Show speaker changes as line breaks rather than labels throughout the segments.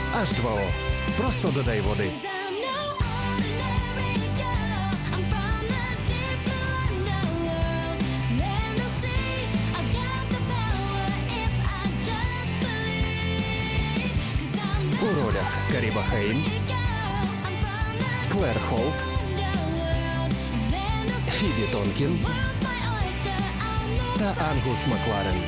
H2O. Просто додай води. У ролях Каріба Хейн, Клер Холт, Фібі Тонкін та Ангус Макларен.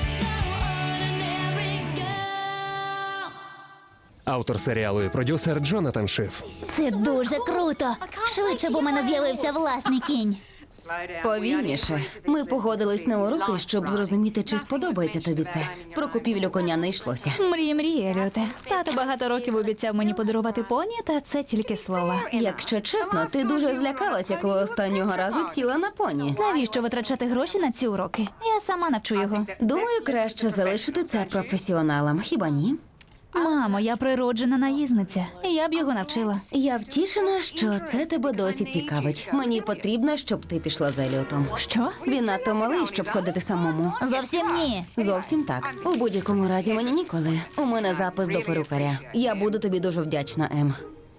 Автор серіалу і продюсер Джонатан Шиф.
Це дуже круто. Швидше б у мене з'явився власний кінь.
Повільніше. Ми погодились на уроки, щоб зрозуміти, чи сподобається тобі це. Про купівлю коня не йшлося.
Мрій, Еліоте. Тато багато років обіцяв мені подарувати поні, та це тільки слова.
Якщо чесно, ти дуже злякалася, коли останнього разу сіла на поні.
Навіщо витрачати гроші на ці уроки? Я сама навчу його.
Думаю, краще залишити це професіоналам, хіба ні?
Мамо, я природжена наїзниця. Я б його навчила.
Я втішена, що це тебе досі цікавить. Мені потрібно, щоб ти пішла з Еліотом.
Що?
Він надто малий, щоб ходити самому.
Зовсім ні.
Зовсім так. У будь-якому разі мені ніколи. У мене запис до перукаря. Я буду тобі дуже вдячна, Ем.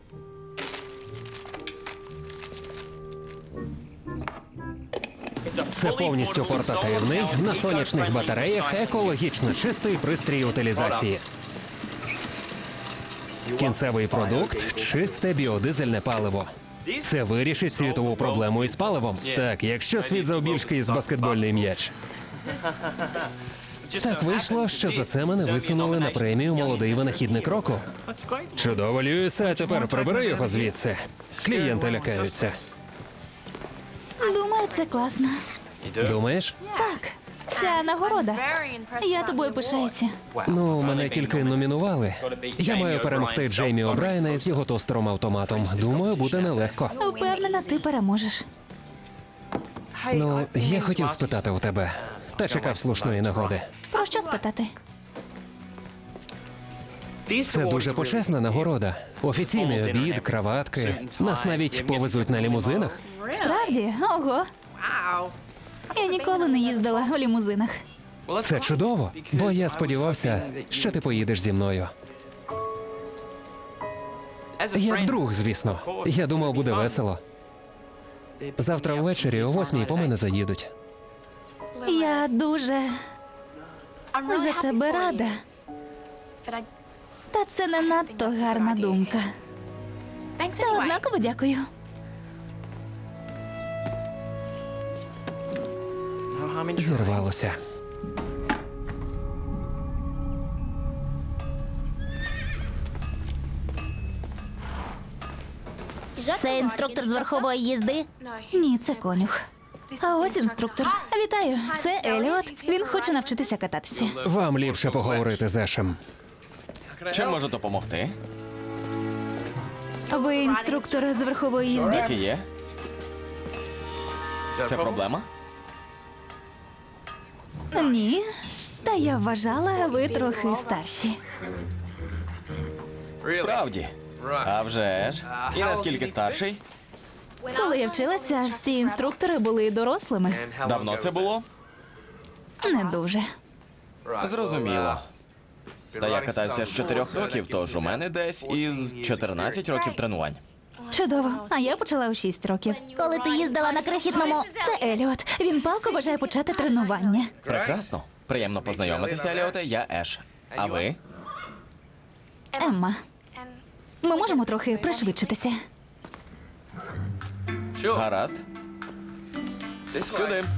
Це повністю портативний, на сонячних батареях, екологічно чистий пристрій утилізації. Кінцевий продукт – чисте біодизельне паливо. Це вирішить світову проблему із паливом. Так, якщо світ завбільшки із баскетбольний м'яч. Так вийшло, що за це мене висунули на премію «Молодий винахідник року». Чудово, Льюісе, а тепер прибери його звідси. Клієнти лякаються.
Думаю, це класно.
Думаєш?
Так, ця нагорода. Я тобою пишаюся.
Ну, мене тільки номінували. Я маю перемогти Джеймі О'Брайена із його тостером-автоматом. Думаю, буде нелегко.
Впевнена, ти переможеш.
Ну, я хотів спитати у тебе, та чекав слушної нагоди.
Про що спитати?
Це дуже почесна нагорода. Офіційний обід, краватки. Нас навіть повезуть на лімузинах.
Справді? Ого. Я ніколи не їздила в лімузинах.
Це чудово, бо я сподівався, що ти поїдеш зі мною. Як друг, звісно. Я думав, буде весело. Завтра ввечері о 8:00 по мене заїдуть.
Я дуже за тебе рада. Та це не надто гарна думка. Та однаково дякую.
Зірвалося.
Це інструктор з верхової їзди? Ні, це конюх. А ось інструктор. Вітаю, це Еліот. Він хоче навчитися кататися.
Вам ліпше поговорити з Ешем.
Чим можу допомогти?
Ви інструктор з верхової їзди?
Так і є. Це проблема?
Ні. Та я вважала, ви трохи старші.
Справді. А вже ж. І наскільки старший?
Коли я вчилася, ці інструктори були дорослими.
Давно це було?
Не дуже.
Зрозуміло. Та я катаюся з 4 років, тож у мене десь із 14 років тренувань.
Чудово. А я почала у 6 років. Коли ти їздила на крихітному... Це Еліот. Він палко бажає почати тренування.
Прекрасно. Приємно познайомитися, Еліоте. Я Еш. А ви?
Емма. Ми можемо трохи пришвидшитися.
Гаразд. Сюди.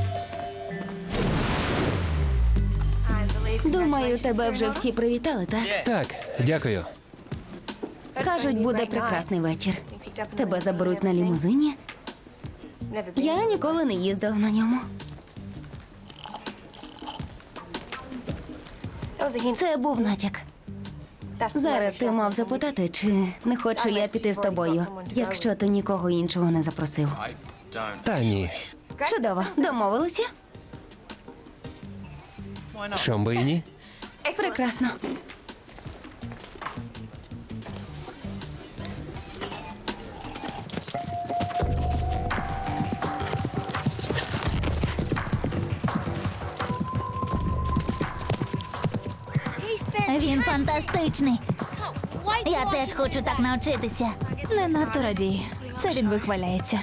Думаю, тебе вже всі привітали, так?
Так, дякую.
Кажуть, буде прекрасний вечір. Тебе заберуть на лімузині. Я ніколи не їздила на ньому. Це був натяк. Зараз ти мав запитати, чи не хочу я піти з тобою, якщо ти нікого іншого не запросив.
Та ні.
Чудово, домовилися?
Чом би і ні?
Прекрасно.
Він фантастичний. Я теж хочу так навчитися. Не надто радій. Це він вихваляється.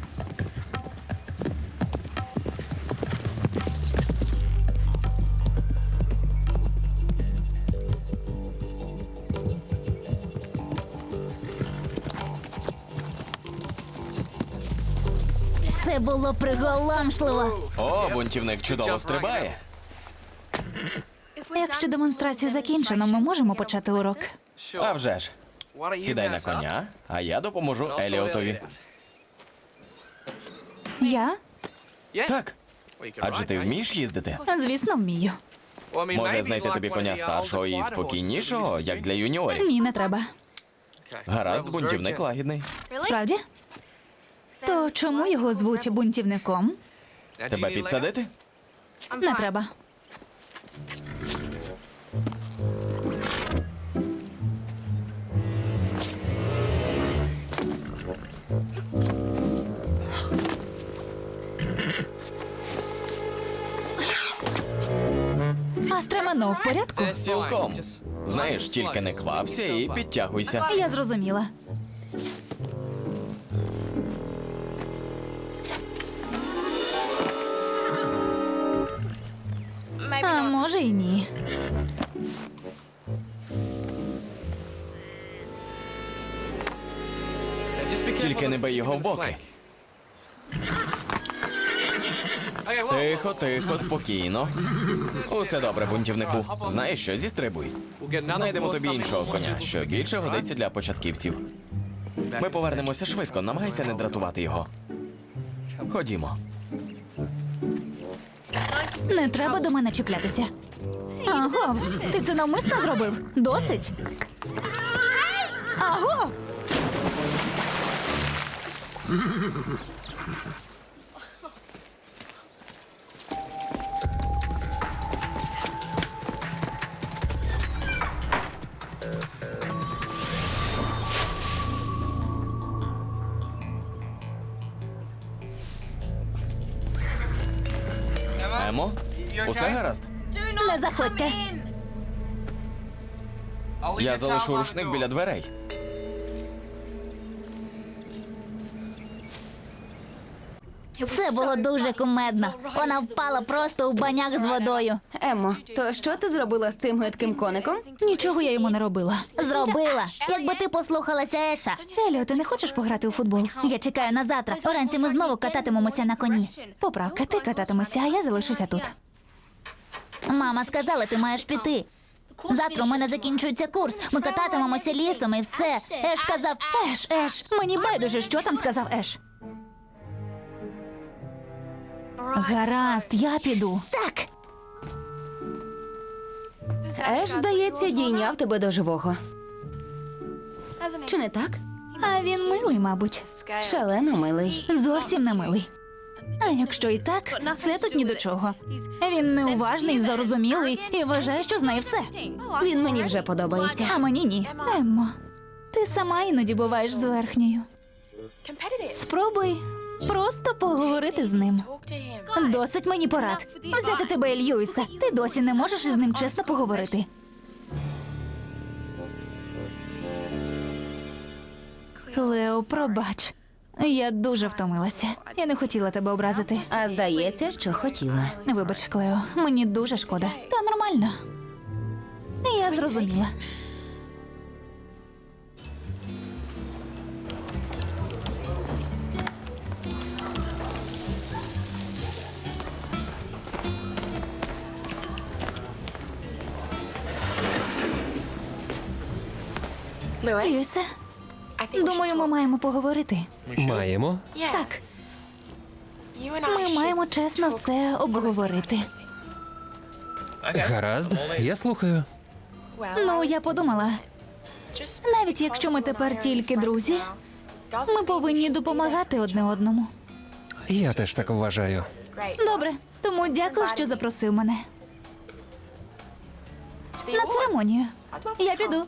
Це було приголомшливо.
О, бунтівник чудово стрибає.
Якщо демонстрацію закінчено, ми можемо почати урок.
А вже ж. Сідай на коня, а я допоможу Еліотові.
Я?
Так. Адже ти вмієш їздити?
Звісно, вмію.
Може знайти тобі коня старшого і спокійнішого, як для юніорів.
Ні, не треба.
Гаразд, бунтівник лагідний.
Справді? То чому його звуть бунтівником?
Тебе підсадити?
Не треба. А стремено в порядку?
Цілком. Знаєш, тільки не квапся і підтягуйся.
Я зрозуміла. А може і ні.
Тільки не бий його в боки. Тихо, тихо, спокійно. Усе добре, бунтівнику. Знаєш що, зістрибуй. Знайдемо тобі іншого коня, що більше годиться для початківців. Ми повернемося швидко, намагайся не дратувати його. Ходімо.
Не треба до мене чіплятися. Аго, ти це навмисно зробив? Досить. Аго!
Емо, усе гаразд?
Не заходьте.
Я залишу рушник біля дверей.
Це було дуже кумедно. Вона впала просто у баняк з водою.
Еммо, то що ти зробила з цим гидким коником?
Нічого я йому не робила. Зробила. Якби ти послухалася Еша. Еліо, ти не хочеш пограти у футбол? Я чекаю на завтра. Вранці ми знову кататимемося на коні. Поправка, ти кататимешся, а я залишуся тут. Мама сказала, ти маєш піти. Завтра у мене закінчується курс. Ми кататимемося лісом і все. Еш сказав, Еш, мені байдуже, що там сказав Еш. Гаразд, я піду. Так.
Еш, здається, дійняв тебе до живого. Чи не так?
А він милий, мабуть.
Шалено милий.
Зовсім не милий. А якщо і так, це тут ні до чого. Він неуважний, зарозумілий і вважає, що знає все.
Він мені вже подобається.
А мені ні. Еммо, ти сама іноді буваєш зверхньою. Спробуй просто поговорити з ним. Досить мені порад. Взяти тебе і Льюіса. Ти досі не можеш із ним чесно поговорити. Клео, пробач. Я дуже втомилася. Я не хотіла тебе образити.
А здається, що хотіла.
Вибач, Клео, мені дуже шкода. Та нормально. Я зрозуміла. Льюісе, думаю, ми маємо поговорити.
Маємо.
Так, ми маємо чесно все обговорити.
Гаразд, я слухаю.
Ну, я подумала, навіть якщо ми тепер тільки друзі, ми повинні допомагати одне одному.
Я теж так вважаю.
Добре, тому дякую, що запросив мене. На церемонію. Я піду.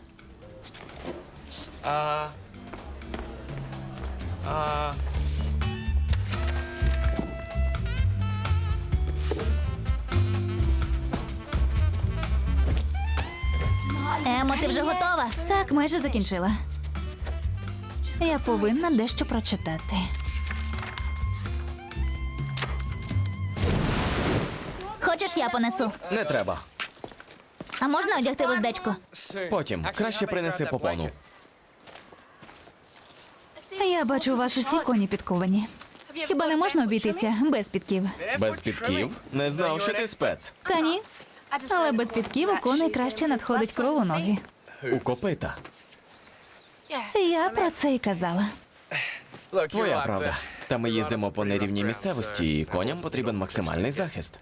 Емо, ти вже готова? Так, майже закінчила. Я повинна дещо прочитати. Хочеш, я понесу?
Не треба.
А можна одягти вуздечку?
Потім краще принеси попону.
Я бачу, у вас усі коні підковані. Хіба не можна обійтися без підків?
Без підків? Не знав, що ти спец.
Та ні. Але без підків у коней краще надходить кров у ноги.
У копита.
Я про це й казала.
Твоя правда. Та ми їздимо по нерівній місцевості, і коням потрібен максимальний захист.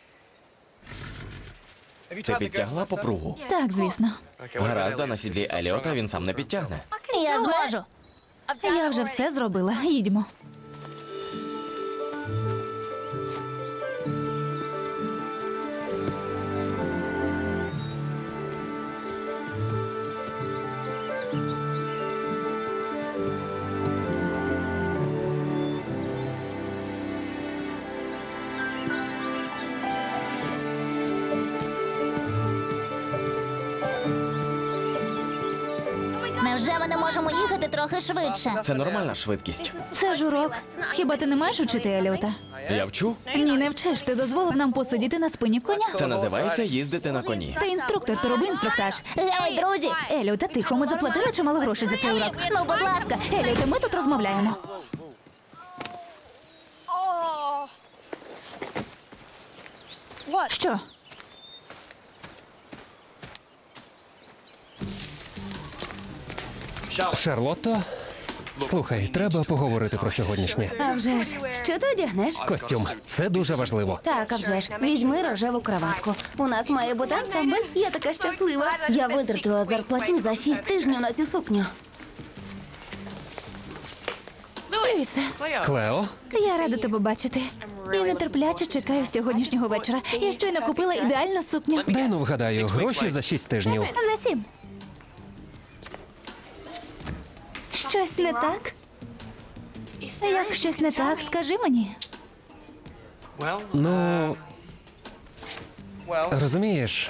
Ти підтягла попругу?
Так, звісно.
Гаразд, а на сідлі Еліота він сам не підтягне.
Я зможу. Я вже все зробила. Їдьмо. Невже ми не можемо їхати трохи швидше?
Це нормальна швидкість.
Це ж урок. Хіба ти не маєш учити Еліота?
Я вчу.
Ні, не вчиш. Ти дозволив нам посидіти на спині коня.
Це називається їздити на коні.
Ти інструктор, то роби інструктаж. Гей, друзі! Еліота, тихо, ми заплатили чимало грошей за цей урок. Ну, будь ласка, Еліота, ми тут розмовляємо. Що?
Шарлотто, слухай, треба поговорити про сьогоднішнє.
А вже ж, що ти одягнеш?
Костюм. Це дуже важливо.
Так, а вже ж, візьми рожеву краватку. У нас має бути ансамбль. Я така щаслива. Я витратила зарплатню за 6 тижнів на цю сукню.
Льюісе,
Клео,
я рада тебе бачити. І нетерпляче чекаю сьогоднішнього вечора. Я щойно купила ідеальну сукню.
дай ну вгадаю, гроші за 6 тижнів.
За 7. Щось не так? Як щось не так, скажи мені.
Ну, розумієш,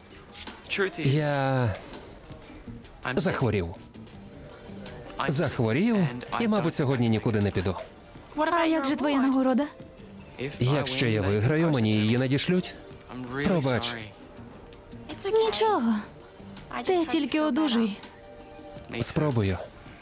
я захворів. Захворів і, мабуть, сьогодні нікуди не піду.
А як же твоя нагорода?
Якщо я виграю, мені її надішлють. Пробач.
Нічого. Ти тільки одужуй.
Спробую.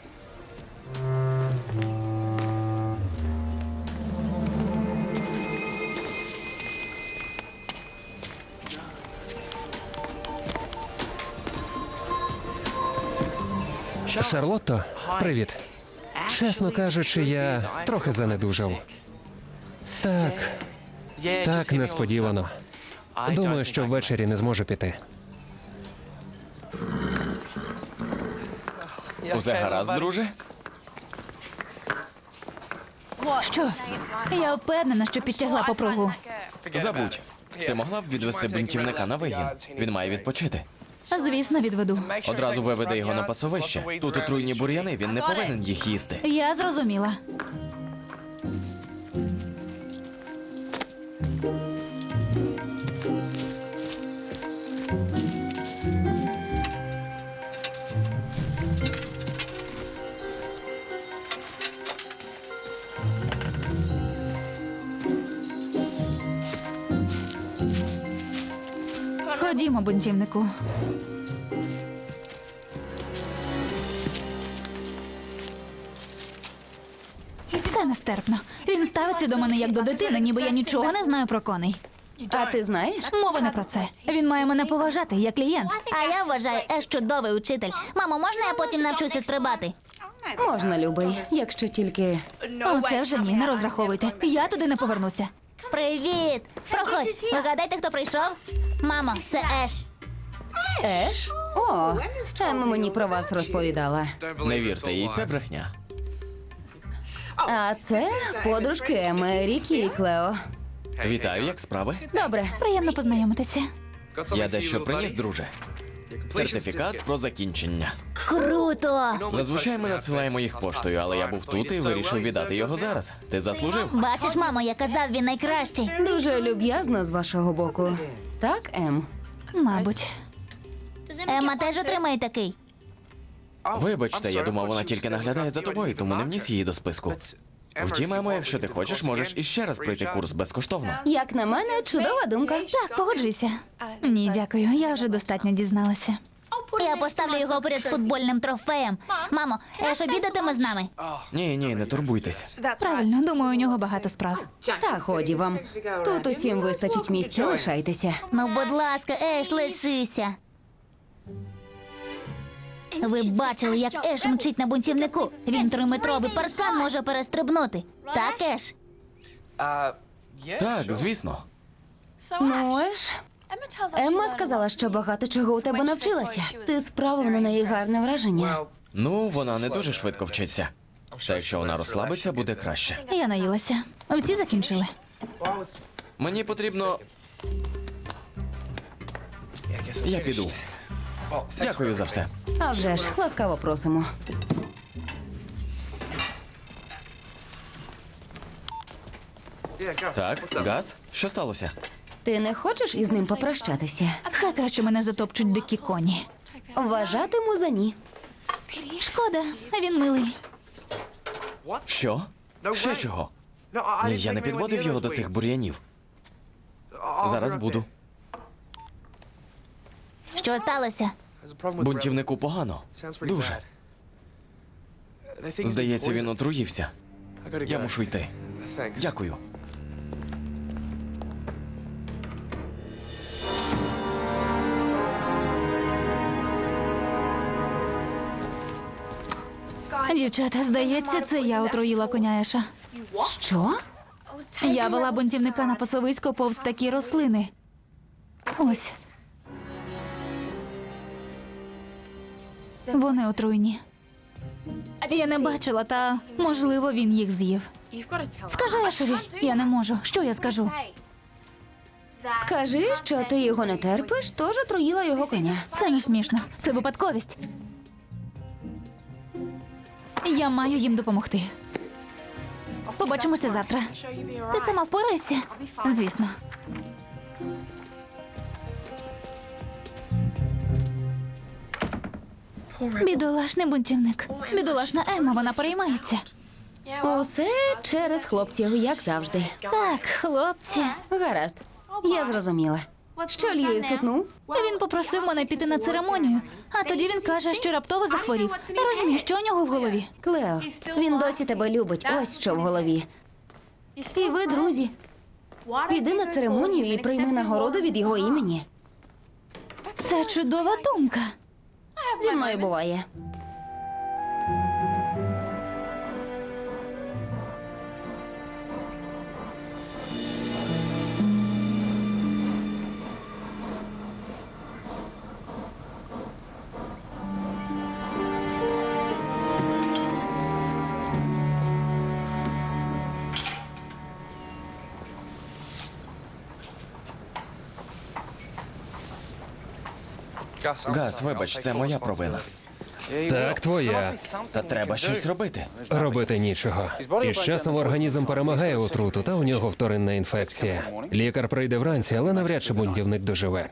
Шарлотто, привіт. Чесно кажучи, я трохи занедужав. Так несподівано. Думаю, що ввечері не зможу піти.
Усе гаразд, друже?
Що? Я впевнена, що підтягла попругу.
Забудь. Ти могла б відвести бунтівника на вигін? Він має відпочити.
Звісно, відведу.
Одразу виведи його на пасовище. Тут отруйні бур'яни, він не повинен їх їсти.
Я зрозуміла. Ходімо, бунтівнику. Це нестерпно. Він ставиться до мене як до дитини, ніби я нічого не знаю про коней.
А ти знаєш?
Мова не про це. Він має мене поважати як клієнт. А я вважаю, Еш чудовий учитель. Мамо, можна я потім навчуся стрибати?
Можна, любий, якщо тільки.
Оце вже ні, не розраховуйте. Я туди не повернуся. Привіт! Проходь. Вигадайте, хто прийшов? Мамо, це Еш.
Еш? О, Ем мені про вас розповідала.
Не вірте їй, це брехня.
А це подружки Еми, Рікі і Клео.
Вітаю, як справи?
Добре.
Приємно познайомитися.
Я дещо приніс, друже. Сертифікат про закінчення.
Круто!
Зазвичай ми надсилаємо їх поштою, але я був тут і вирішив віддати його зараз. Ти заслужив?
Бачиш, мамо, я казав, він найкращий.
Дуже люб'язно з вашого боку. Так, Ем?
Мабуть. Емма теж отримає такий.
Вибачте, я думав, вона тільки наглядає за тобою, тому не вніс її до списку. Втім, Емо, якщо ти хочеш, можеш іще раз пройти курс безкоштовно.
Як на мене, чудова думка.
Так, погоджуйся. Ні, дякую, я вже достатньо дізналася. Я поставлю його поряд з футбольним трофеєм. Мамо, Еш обідатиме з нами.
Ні, не турбуйтесь.
Правильно, думаю, у нього багато справ.
Та ході вам. Тут усім вистачить місця, лишайтеся.
Ну, будь ласка, Еш, лишися. Ви бачили, як Еш мчить на бунтівнику. Він 3-метровий паркан може перестрибнути. Так, Еш?
Так, звісно.
Ну, Еш, Емма сказала, що багато чого у тебе навчилася. Ти справив на неї гарне враження.
Ну, вона не дуже швидко вчиться. Та якщо вона розслабиться, буде краще.
Я наїлася. Всі закінчили.
Мені потрібно. Я піду. Дякую за все.
А вже ж, ласкаво просимо.
Так, Газ, що сталося?
Ти не хочеш із ним попрощатися?
Хай краще мене затопчуть дикі коні.
Вважатиму за ні.
Шкода, він милий.
Що? Ще чого? Ні, я не підводив його до цих бур'янів. Зараз буду.
Що сталося?
Бунтівнику погано. Дуже. Здається, він отруївся. Я мушу йти. Дякую.
Дівчата, здається, це я отруїла коня Еша.
Що?
Я вела бунтівника на пасовисько повз такі рослини. Ось. Вони отруйні. Я не бачила, та можливо він їх з'їв. Скажи Ешеві, я не можу. Що я скажу?
Скажи, що ти його не терпиш, тож отруїла його коня.
Це не смішно. Це випадковість. Я маю їм допомогти. Побачимося завтра. Ти сама впорайся? Звісно. Бідолашний бунтівник. Бідолашна Емма, вона переймається.
Усе через хлопців, як завжди.
Так, хлопці.
Гаразд, я зрозуміла. Що Льюіс гукнув?
Він попросив мене піти на церемонію, а тоді він каже, що раптово захворів. Я розумію, що у нього в голові.
Клео, він досі тебе любить, ось що в голові. І ви, друзі, піди на церемонію і прийми нагороду від його імені.
Це чудова думка.
Зі мною буває.
Газ, вибач, це моя провина.
Так, твоя.
Та треба щось робити.
Робити нічого. І з часом організм перемагає отруту, та у нього вторинна інфекція. Лікар прийде вранці, але навряд чи бунтівник доживе.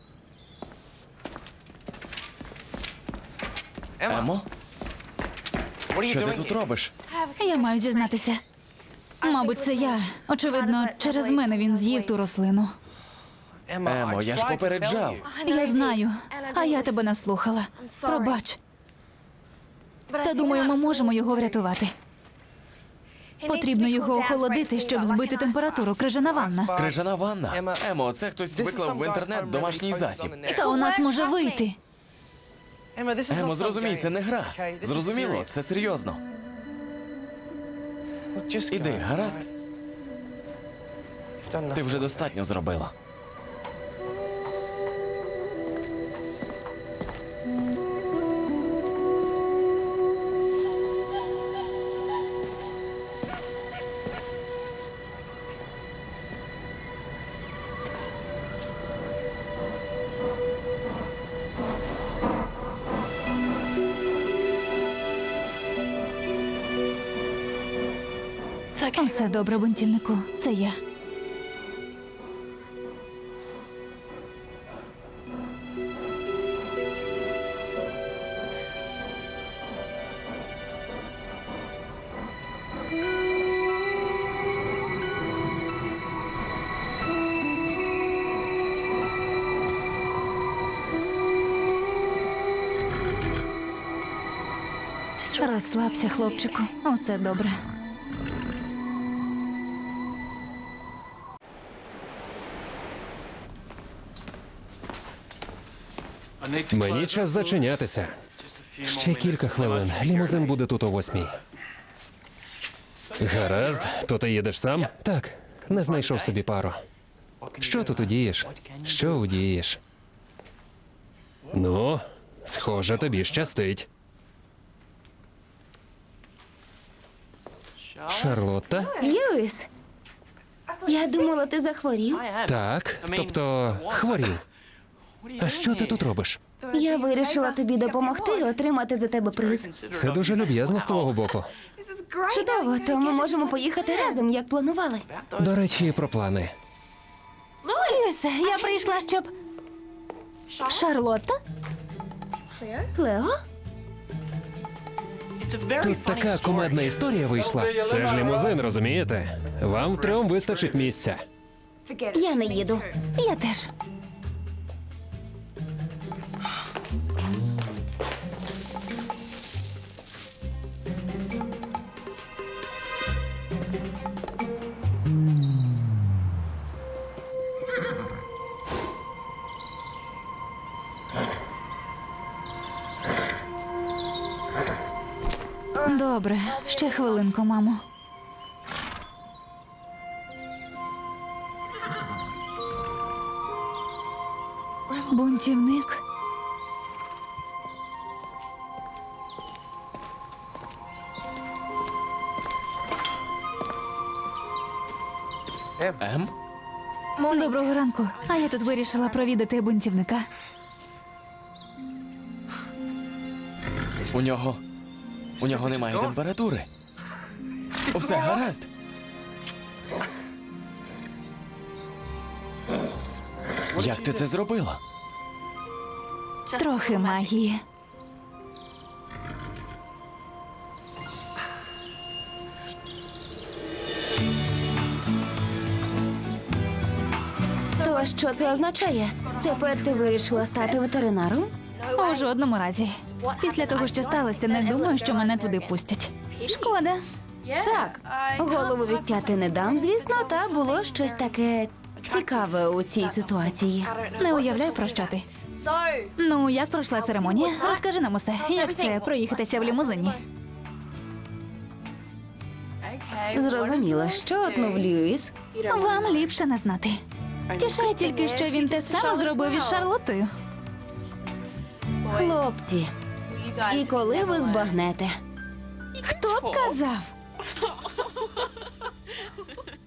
Емо? Що ти тут робиш?
Я маю зізнатися. Мабуть, це я. Очевидно, через мене він з'їв ту рослину.
Емо, я ж попереджав.
Я знаю, а я тебе не слухала. Пробач. Та думаю, ми можемо його врятувати. Потрібно його охолодити, щоб збити температуру. Крижана ванна.
Крижана ванна. Емо, це хтось виклав в інтернет домашній засіб.
Та у нас може вийти.
Емо, зрозумій, це не гра. Зрозуміло, це серйозно. Іди, гаразд? Ти вже достатньо зробила.
Все добре, бунтівнику. Це я. Розслабся, хлопчику. Усе добре.
Мені час зачинятися. Ще кілька хвилин. Лімузин буде тут о 8:00. Гаразд, то ти їдеш сам? Так, не знайшов собі пару. Що тут удієш? Що удієш? Ну, схоже, тобі щастить. Шарлотта?
Льюіс, я думала, ти захворів.
Так, тобто хворів. А що ти тут робиш?
Я вирішила тобі допомогти і отримати за тебе приз.
Це дуже люб'язно з твого боку.
Чудово, то ми можемо поїхати разом, як планували.
До речі, про плани.
Льюісе, я прийшла, щоб... Шарлотта?
Клео?
Тут така кумедна історія вийшла. Це ж лімузин, розумієте? Вам втрьом вистачить місця.
Я не їду.
Я теж. Добре, ще хвилинку, мамо. Бунтівник.
Ем?
Доброго ранку. А я тут вирішила провідати бунтівника.
У нього немає температури. Усе гаразд. Як ти це зробила?
Трохи магії.
То що це означає? Тепер ти вирішила стати ветеринаром?
У жодному разі. Після того, що сталося, не думаю, що мене туди пустять. Шкода.
Так, голову відтяти не дам, звісно, та було щось таке цікаве у цій ситуації.
Не уявляю, про що ти. Ну, як пройшла церемонія? Розкажи нам усе. Як це проїхатися в лімузині?
Зрозуміла, що отнув Льюіс.
Вам ліпше не знати. Тішає тільки, що він те саме зробив із Шарлоттою.
Хлопці, і коли ви збагнете?
Хто б казав?